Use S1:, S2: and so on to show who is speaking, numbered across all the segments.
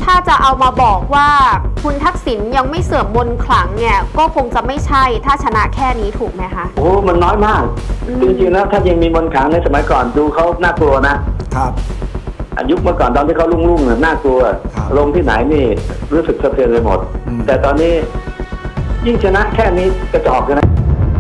S1: ถ้าจะเอามาบอกว่าคุณทักษิณยังไม่เสื่อมมนต์ขลังเนี่ยก็คงจะไม่ใช่ถ้าชนะแค่นี้ถูกไหมคะ
S2: โอ้มันน้อยมากจริงๆแล้วถ้ายังมีมนต์ขลังในสมัยก่อนดูเขาน่ากลัวนะครับยุคเมื่อก่อนตอนที่เขาลุ่งๆน่ากลัวลงที่ไหนนี่รู้สึกสะเทือนไปหมดแต่ตอนนี้ยิ่งชนะแค่นี้กระจอกนะ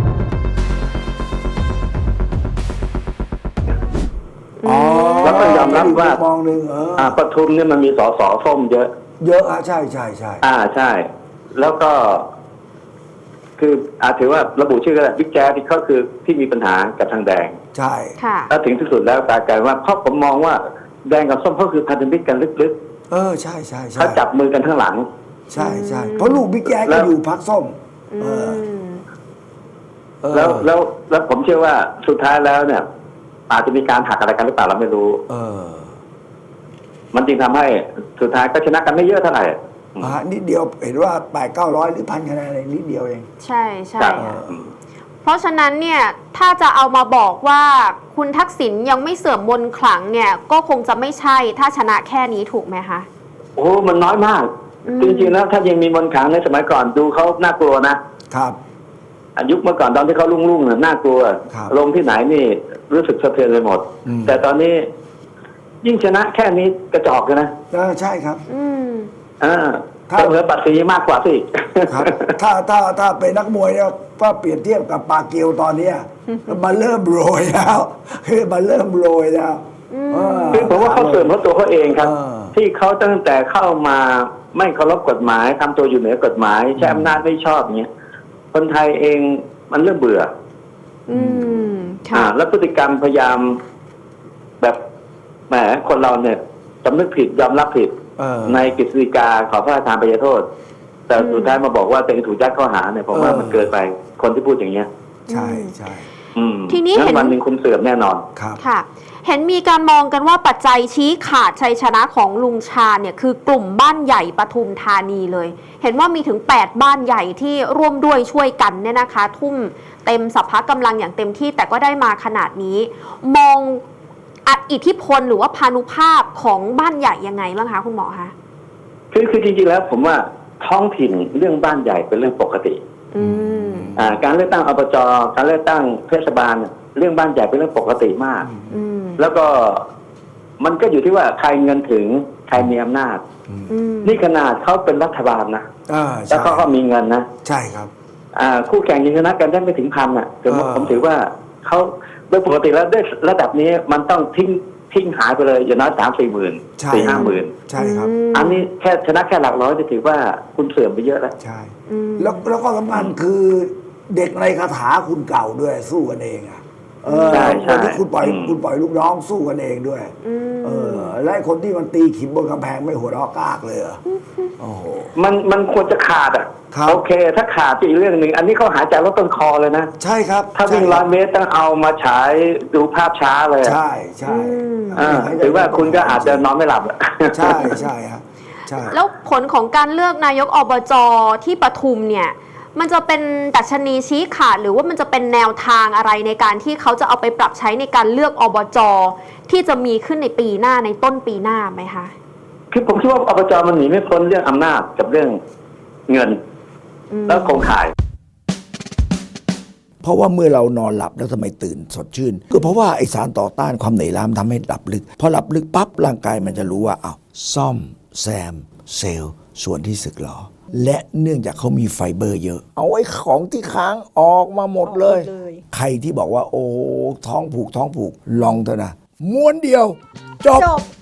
S2: แล้วก็ยอมรับว่ามองหนึ่งปทุมเนี่ยมันมีสสส้มเยอะ
S3: ใช่ใ
S2: ช่แล้วก็คือถือว่าระบุชื่อก็ได้บิ๊กแจ๊สที่เขาคือที่มีปัญหากับทางแดง
S3: ใช่
S2: แล้วถึงที่สุดแล้วกลายว่าเพราะผมมองว่าแดงกับส้มเขาคือพันธมิตรกันลึก
S3: ใช่
S2: เขาจับมือกันข้างหลัง
S3: ใช่เพราะลูกบิ๊กแจ๊สก็อยู่พรรคส้ม
S2: แล้วผมเชื่อว่าสุดท้ายแล้วเนี่ยอาจจะมีการหักอะไรกันหรือเปล่าเราไม่รู้มันจึงทำให้สุดท้ายก็ชนะกันไม่เยอะเท่าไหร่
S3: นิดเดียวเห็นว่า800-900หรือ1,000คะแนนอะไรนิดเดียวเอง
S1: ใช่เพราะฉะนั้นเนี่ยถ้าจะเอามาบอกว่าคุณทักษิณยังไม่เสื่อมมนต์ขลังเนี่ยก็คงจะไม่ใช่ถ้าชนะแค่นี้ถูกไหมคะ
S2: โอ้มันน้อยมากจริงๆแล้วถ้ายังมีมนต์ขลังในสมัยก่อนดูเขาน่ากลัวนะครับยุคเมื่อก่อนตอนที่เขาลุ่งๆน่ากลัวลงที่ไหนนี่รู้สึกสะเทือนไปหมดแต่ตอนนี้ยิ่งชนะแค่นี้กระจอกนะ
S3: ใช่ครับ
S2: ถ้าเหลือปัตสีมากกว่าสิ
S3: ครับถ้าเป็นนักมวยเนี่ยก็เปรียบเทียบกับปาเกียวตอนนี้มันเริ่มโรยแล้วคือมันเริ่มโรยแล้ว
S2: คือผมว่าเขาเสื่อมเพราะตัวเขาเองครับที่เขาตั้งแต่เข้ามาไม่เคารพกฎหมายทำตัวอยู่เหนือกฎหมายใช้อำนาจไม่ชอบเงี้ยคนไทยเองมันเริ่มเบื่อแล้วพฤติกรรมพยายามแบบแหมคนเราเนี่ยสำนึกผิดยอมรับผิดในกฤษฎีกาขอพระราชทานอภัยโทษแต่สุดท้ายมาบอกว่าตัวเองถูกยัดข้อหาเนี่ยผมว่ามันเกินไปคนที่พูดอย่างเงี้ย
S3: ใช่
S1: ทีนี้
S2: เห็นวันหนึ่งคุณเสื่อมแน่นอน
S1: ค่ะเห็นมีการมองกันว่าปัจจัยชี้ขาดชัยชนะของลุงชาญเนี่ยคือกลุ่มบ้านใหญ่ปทุมธานีเลยเห็นว่ามีถึง8บ้านใหญ่ที่ร่วมด้วยช่วยกันเนี่ยนะคะทุ่มเต็มสัพพะกำลังอย่างเต็มที่แต่ก็ได้มาขนาดนี้มองอิทธิพลหรือว่าพานุภาพของบ้านใหญ่ยังไงบ้างคะคุณหมอคะ
S2: คือจริงๆแล้วผมว่าท้องถิ่นเรื่องบ้านใหญ่เป็นเรื่องปกติการเลือกตั้งอบจการเลือกตั้งเทศบาลเรื่องบ้านใหญ่เป็นเรื่องปกติมากแล้วก็มันก็อยู่ที่ว่าใครเงินถึงใครมีอำนาจนี่ขนาดเขาเป็นรัฐบาลนะแล้วก็มีเงินนะ
S3: ใช่ครับ
S2: คู่แข่งยังชนะกันได้ไม่ถึง1,000ผมถือว่าเขาโดยปกติแล้วด้วยระดับนี้มันต้องทิ้งหายไปเลยอย่างน้อย3-4 หมื่น4-5 หมื่น
S3: ใช่ครับ
S2: อันนี้แค่ชนะแค่หลักร้อยจะถือว่าคุณเสื่อมไปเยอะแล้ว
S3: ใช่แล้วก็สำคัญคือเด็กในคาถาคุณเก่าด้วยสู้กันเองคนที่คุณปล่อยลูกน้องสู้กันเองด้วยและคนที่มันตีขิมบนกำแพงไม่หัวเราะกากเลยโอ้โห
S2: มันควรจะขาดโอเคถ้าขาดอีกเรื่องหนึ่งอันนี้เขาหายใจลดต้นคอเลยนะ
S3: ใช่ครับ
S2: ถ้าวิ่ง100 เมตรต้องเอามาฉายดูภาพช้าเลย
S3: ใช่
S2: หรือว่าคุณก็อาจจะนอนไม่หลับ
S3: ใช่ครับ
S1: แล้วผลของการเลือกนายกอบจที่ปทุมเนี่ยมันจะเป็นดัชนีชี้ขาดหรือว่ามันจะเป็นแนวทางอะไรในการที่เขาจะเอาไปปรับใช้ในการเลือกอบจที่จะมีขึ้นในปีหน้าในต้นปีหน้าไหมคะ
S2: คือผมคิดว่าอบจมันหนีไม่พ้นเรื่องอำนาจกับเรื่องเงินแล้วโครงข่าย
S3: เพราะว่าเมื่อเรานอนหลับแล้วทำไมตื่นสดชื่นก็เพราะว่าไอสารต่อต้านความเหนื่อยล้าทำให้หลับลึกพอหลับลึกปั๊บร่างกายมันจะรู้ว่าซ่อมแซมเซลล์ส่วนที่สึกหรอและเนื่องจากเขามีไฟเบอร์เยอะเอาไอ้ของที่ค้างออกมาหมดเลยใครที่บอกว่าโอ้ท้องผูกลองเถอะนะม้วนเดียวจบ